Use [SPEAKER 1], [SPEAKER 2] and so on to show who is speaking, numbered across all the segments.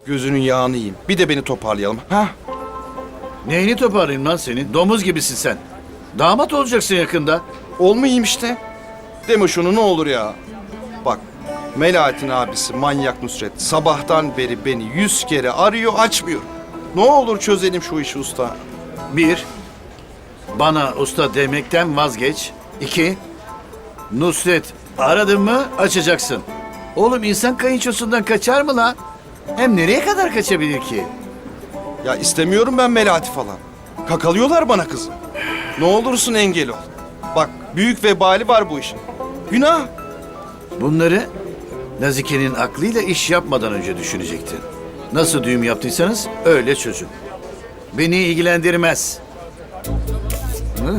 [SPEAKER 1] Gözünün yağını yiyeyim. Bir de beni toparlayalım. Ha?
[SPEAKER 2] Neyini toparlayayım lan senin? Domuz gibisin sen. Damat olacaksın yakında.
[SPEAKER 1] Olmayayım işte. Deme şunu ne olur ya. Bak, Melahat'in abisi manyak Nusret sabahtan beri beni 100 kere arıyor, açmıyor. Ne olur çözelim şu işi usta.
[SPEAKER 2] Bir, bana usta demekten vazgeç. İki, Nusret aradın mı açacaksın. Oğlum insan kayınçosundan kaçar mı lan? Hem nereye kadar kaçabilir ki?
[SPEAKER 1] Ya istemiyorum ben Melahat'i falan. Kakalıyorlar bana kızım. Ne olursun engel ol. Bak, büyük vebali var bu işin. Günah.
[SPEAKER 2] Bunları Nazike'nin aklıyla iş yapmadan önce düşünecektin. Nasıl düğüm yaptıysanız öyle çözün. Beni ilgilendirmez. Hı?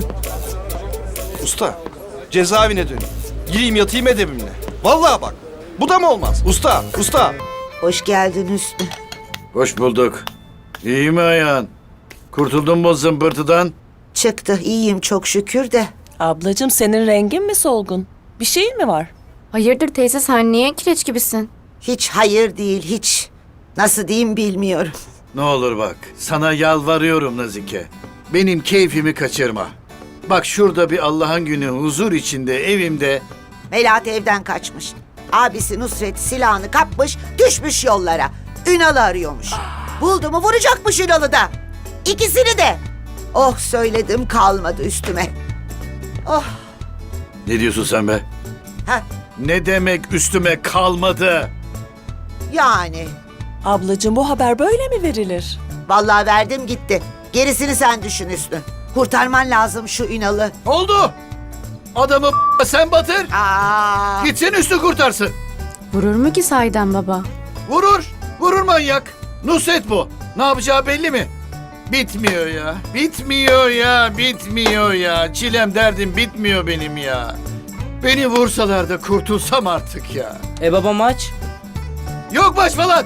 [SPEAKER 1] Usta, cezaevine döneyim. Gireyim yatayım edebimle. Vallahi bak, bu da mı olmaz? Usta, usta.
[SPEAKER 3] Hoş geldin Hüsnü.
[SPEAKER 2] Hoş bulduk. İyi mi ayağın? Kurtuldun mu zımbırtıdan?
[SPEAKER 3] Çıktı, iyiyim çok şükür de.
[SPEAKER 4] Ablacığım senin rengin mi solgun? Bir şeyin mi var?
[SPEAKER 5] Hayırdır teyze sen niye kireç gibisin?
[SPEAKER 3] Hiç hayır değil, hiç. Nasıl diyeyim bilmiyorum.
[SPEAKER 2] Ne olur bak, sana yalvarıyorum Nazike. Benim keyfimi kaçırma. Bak şurada bir Allah'ın günü huzur içinde evimde.
[SPEAKER 3] Melahat evden kaçmış. Abisi Nusret silahını kapmış, düşmüş yollara. Ünal'ı arıyormuş. Buldu mu vuracakmış Ünal'ı da. İkisini de. Oh söyledim kalmadı üstüme. Oh,
[SPEAKER 2] Ne diyorsun sen be?
[SPEAKER 3] ha
[SPEAKER 2] Ne demek üstüme kalmadı?
[SPEAKER 3] yani.
[SPEAKER 4] Ablacığım bu haber böyle mi verilir?
[SPEAKER 3] Vallahi verdim gitti. Gerisini sen düşün Hüsnü. Kurtarman lazım şu Ünal'ı.
[SPEAKER 2] Oldu. Adamı sen batır.
[SPEAKER 3] Aa,
[SPEAKER 2] Gitsin üstü kurtarsın.
[SPEAKER 5] Vurur mu ki sahiden baba?
[SPEAKER 2] Vurur. Vurur manyak. Nusret bu. Ne yapacağı belli mi? Bitmiyor ya. Bitmiyor ya. Bitmiyor ya. Çilem derdim bitmiyor benim ya. Beni vursalar da kurtulsam artık ya.
[SPEAKER 4] Baba maç.
[SPEAKER 2] Yok baş falan.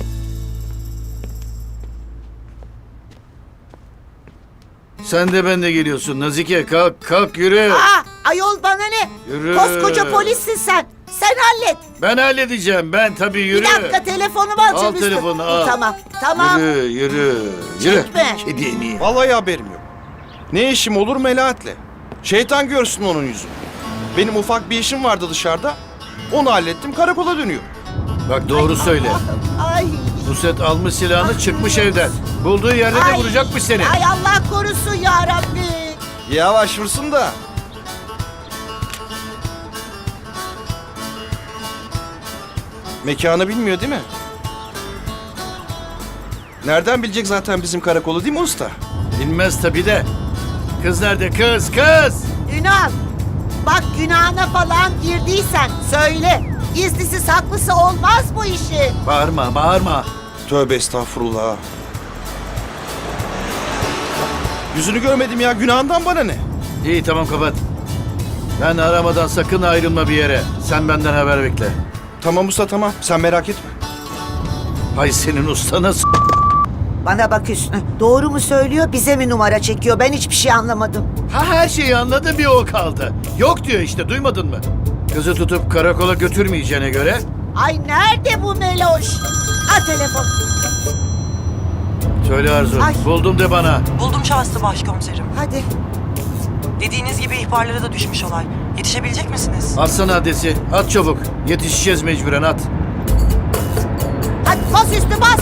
[SPEAKER 2] Sen de ben de geliyorsun Nazike. Kalk kalk yürü.
[SPEAKER 3] ayol bana ne?
[SPEAKER 2] Yürü.
[SPEAKER 3] Koskoca polissin sen. Sen hallet.
[SPEAKER 2] Ben halledeceğim. Ben tabii yürü.
[SPEAKER 3] Bir dakika telefonumu alacağım
[SPEAKER 2] Al
[SPEAKER 3] Hüsnü.
[SPEAKER 2] telefonu, al.
[SPEAKER 3] Tamam, tamam.
[SPEAKER 2] Yürü yürü. Yürü.
[SPEAKER 3] Çekme.
[SPEAKER 2] Kedi en iyi.
[SPEAKER 1] Vallahi haberim yok. Ne işim olur Melahat'le? Şeytan görsün onun yüzünü. Benim ufak bir işim vardı dışarıda. Onu hallettim, karakola dönüyorum.
[SPEAKER 2] Bak doğru söyle.
[SPEAKER 3] Ay,
[SPEAKER 2] Nusret almış silahını çıkmış evden. Bulduğu yerde de
[SPEAKER 3] Ay.
[SPEAKER 2] vuracakmış seni.
[SPEAKER 3] ay Allah korusun ya Rabbi.
[SPEAKER 1] Yavaş vursun da. Mekanı bilmiyor değil mi? Nereden bilecek zaten bizim karakolu değil mi usta?
[SPEAKER 2] Bilmez tabii de. Kız nerede kız kız?
[SPEAKER 3] Ünal, bak günahına falan girdiysen söyle. Gizlisi saklısı olmaz bu işi.
[SPEAKER 2] Bağırma bağırma.
[SPEAKER 1] Tövbe estağfurullah. Yüzünü görmedim ya, günahından bana ne?
[SPEAKER 2] İyi tamam kapat. Ben aramadan sakın ayrılma bir yere. Sen benden haber bekle.
[SPEAKER 1] Tamam usta tamam, sen merak etme.
[SPEAKER 2] Hay senin ustana
[SPEAKER 3] Bana bak Hüsnü, doğru mu söylüyor bize mi numara çekiyor ben hiçbir şey anlamadım.
[SPEAKER 2] Ha her şeyi anladım bir o kaldı. Yok diyor işte duymadın mı? Kızı tutup karakola götürmeyeceğine göre.
[SPEAKER 3] Ay nerede bu Meloş? Ha telefon.
[SPEAKER 2] Söyle Arzu.
[SPEAKER 3] Ay.
[SPEAKER 2] Buldum de bana.
[SPEAKER 6] Buldum şahsı başkomiserim.
[SPEAKER 3] Hadi.
[SPEAKER 6] Dediğiniz gibi ihbarlara da düşmüş olay. Yetişebilecek misiniz?
[SPEAKER 2] Atsana adresi. At çabuk. Yetişeceğiz mecburen at.
[SPEAKER 3] Hadi bas Hüsnü bas.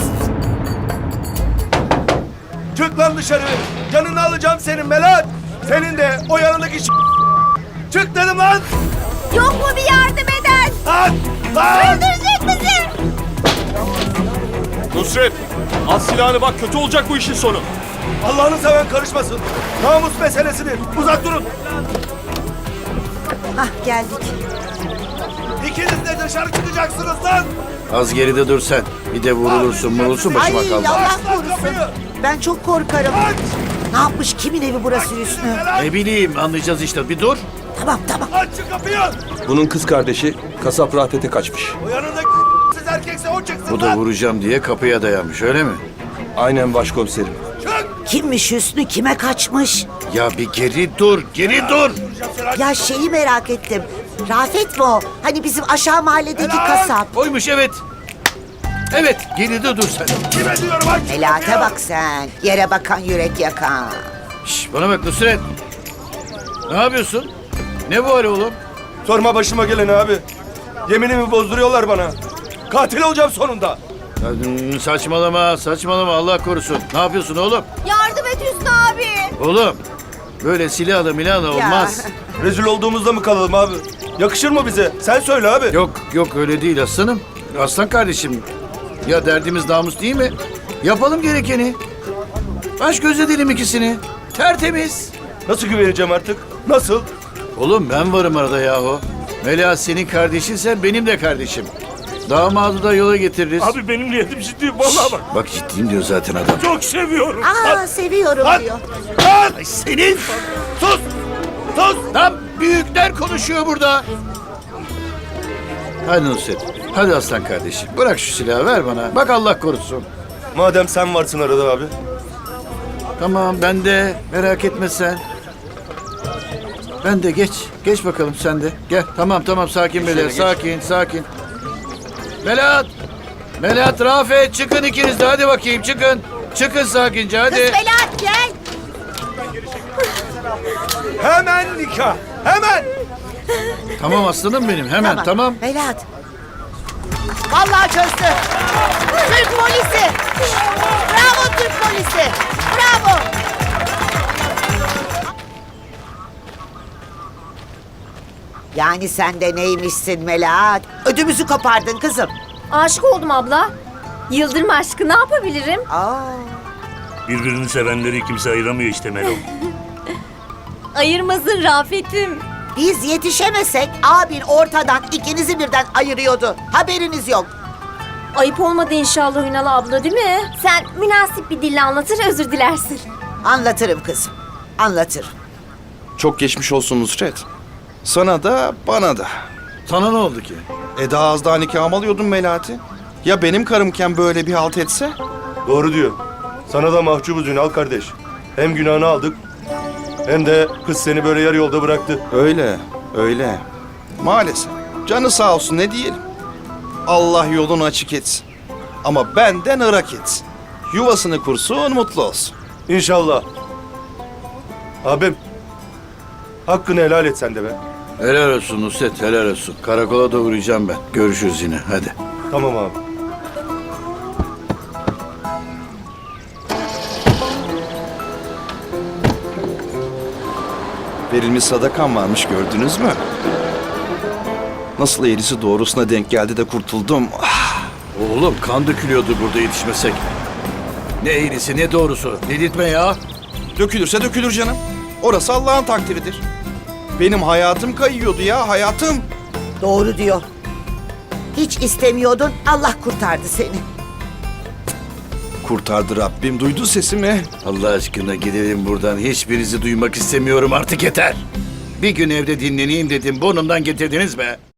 [SPEAKER 7] Çık lan dışarı. Canını alacağım senin Melahat. Senin de o yanındaki Çık dedim lan.
[SPEAKER 3] Yok mu bir yardım eden?
[SPEAKER 7] Lan. Lan.
[SPEAKER 3] Öldürecek bizi.
[SPEAKER 7] Nusret. At silahını bak kötü olacak bu işin sonu. Allah'ını seven karışmasın. Namus meselesidir. Uzak durun.
[SPEAKER 3] Hah geldik.
[SPEAKER 7] İkiniz de dışarı çıkacaksınız lan.
[SPEAKER 2] Az geride dur sen. Bir de vurulursun başıma
[SPEAKER 3] Ay
[SPEAKER 2] kalma.
[SPEAKER 3] Allah
[SPEAKER 7] Aç lan
[SPEAKER 3] korusun.
[SPEAKER 7] kapıyı.
[SPEAKER 3] Ben çok korkarım.
[SPEAKER 7] Aç.
[SPEAKER 3] Ne yapmış kimin evi burası Hüsnü?
[SPEAKER 2] Ne bileyim anlayacağız işte. Bir dur.
[SPEAKER 3] Tamam tamam.
[SPEAKER 7] Aç şu kapıyı.
[SPEAKER 8] Bunun kız kardeşi kasap Rafet'e kaçmış.
[SPEAKER 7] O yanındaki siz erkekse o çıksın
[SPEAKER 2] Bu da
[SPEAKER 7] lan.
[SPEAKER 2] vuracağım diye kapıya dayanmış öyle mi?
[SPEAKER 8] Aynen başkomiserim.
[SPEAKER 7] Çık.
[SPEAKER 3] Kimmiş Hüsnü kime kaçmış?
[SPEAKER 2] Ya bir geri dur. Geri dur.
[SPEAKER 3] Ya şeyi merak ettim. Rafet mi o? Hani bizim aşağı mahalledeki
[SPEAKER 7] Helal.
[SPEAKER 3] kasap.
[SPEAKER 2] Oymuş evet. Evet, geride dur sen.
[SPEAKER 7] Kime diyorum aç?
[SPEAKER 3] Melahat'e bak sen. Yere bakan yürek yakan.
[SPEAKER 2] Şş, bana bak Nusret. Ne yapıyorsun? Ne bu hali oğlum?
[SPEAKER 7] Sorma başıma gelen abi. Yeminimi bozduruyorlar bana. Katil olacağım sonunda.
[SPEAKER 2] Saçmalama, saçmalama Allah korusun. Ne yapıyorsun oğlum?
[SPEAKER 5] Yardım et Hüsnü abi.
[SPEAKER 2] Oğlum, böyle silahla milahla
[SPEAKER 3] Ya.
[SPEAKER 2] olmaz.
[SPEAKER 7] Rezil olduğumuzda mı kalalım abi? Yakışır mı bize? Sen söyle abi.
[SPEAKER 2] Yok, yok öyle değil aslanım. Aslan kardeşim. Ya derdimiz namus değil mi? Yapalım gerekeni. Baş göz edelim ikisini. Tertemiz.
[SPEAKER 7] Nasıl güveneceğim artık? Nasıl?
[SPEAKER 2] Oğlum ben varım arada yahu. Melahat senin kardeşinsen benim de kardeşim. Damadı da yola getiririz.
[SPEAKER 7] Abi benim niyetim ciddi. Vallahi bak.
[SPEAKER 2] Bak ciddiyim diyor zaten adam.
[SPEAKER 7] Çok seviyorum.
[SPEAKER 3] Aa seviyorum diyor.
[SPEAKER 2] Ay senin.
[SPEAKER 7] Sus! Sus!
[SPEAKER 2] Lan büyükler konuşuyor burada. Hadi Nusret. Hadi aslan kardeşim. Bırak şu silahı ver bana. Bak Allah korusun.
[SPEAKER 7] Madem sen varsın arada abi.
[SPEAKER 2] Tamam ben de. Merak etme sen. Ben de geç. Geç bakalım sen de. Gel. Tamam sakin Melahat. Sakin. Melahat. Melahat, Rafet çıkın ikiniz de. Hadi bakayım çıkın. Çıkın sakince hadi.
[SPEAKER 3] Melahat gel.
[SPEAKER 7] Hemen nikah. Hemen.
[SPEAKER 2] Tamam aslanım benim. Hemen tamam.
[SPEAKER 3] Melahat. Vallahi çözdü. Türk polisi. Bravo Türk polisi. Bravo. Yani sen de neymişsin Melahat? Ödümüzü kopardın kızım.
[SPEAKER 5] Aşık oldum abla. Yıldırım aşkı ne yapabilirim?
[SPEAKER 3] Aa,
[SPEAKER 9] Birbirini sevenleri kimse ayıramıyor işte Melo.
[SPEAKER 5] Ayırmasın Rafet'im.
[SPEAKER 3] biz yetişemesek abin ortadan ikinizi birden ayırıyordu. Haberiniz yok.
[SPEAKER 5] Ayıp olmadı inşallah Ünal abla değil mi? Sen münasip bir dille anlatır özür dilersin.
[SPEAKER 3] Anlatırım kızım. Anlatırım.
[SPEAKER 1] Çok geçmiş olsun Nusret. Sana da bana da.
[SPEAKER 2] Sana ne oldu ki?
[SPEAKER 1] Daha az daha nikahımı alıyordun Melahat'i. Ya benim karımken böyle bir halt etse?
[SPEAKER 7] Doğru diyor. Sana da mahcubuz Ünal kardeş. Hem günahını aldık hem de kız seni böyle yarı yolda bıraktı.
[SPEAKER 1] Öyle. Maalesef. Canı sağ olsun ne diyelim. Allah yolunu açık etsin. Ama benden ırak etsin. Yuvasını kursun, mutlu olsun.
[SPEAKER 7] İnşallah. Abim. Hakkını helal et sen de be.
[SPEAKER 2] Helal olsun Nusret, helal olsun. Karakola da uğrayacağım ben. Görüşürüz yine, hadi.
[SPEAKER 7] Tamam abi.
[SPEAKER 1] Verilmiş sadakan varmış gördünüz mü? Nasıl eğrisi doğrusuna denk geldi de kurtuldum. Ah,
[SPEAKER 2] Oğlum kan dökülüyordu burada yetişmesek. Ne eğrisi ne doğrusu. Delirtme ya.
[SPEAKER 1] dökülürse dökülür canım. Orası Allah'ın takdiridir. Benim hayatım kayıyordu ya, hayatım.
[SPEAKER 3] Doğru diyor. Hiç istemiyordun, Allah kurtardı seni.
[SPEAKER 1] Kurtardı Rabbim, duydu sesimi.
[SPEAKER 2] Allah aşkına gidelim buradan. Hiçbirinizi duymak istemiyorum artık yeter. Bir gün evde dinleneyim dedim. Burnumdan getirdiniz be.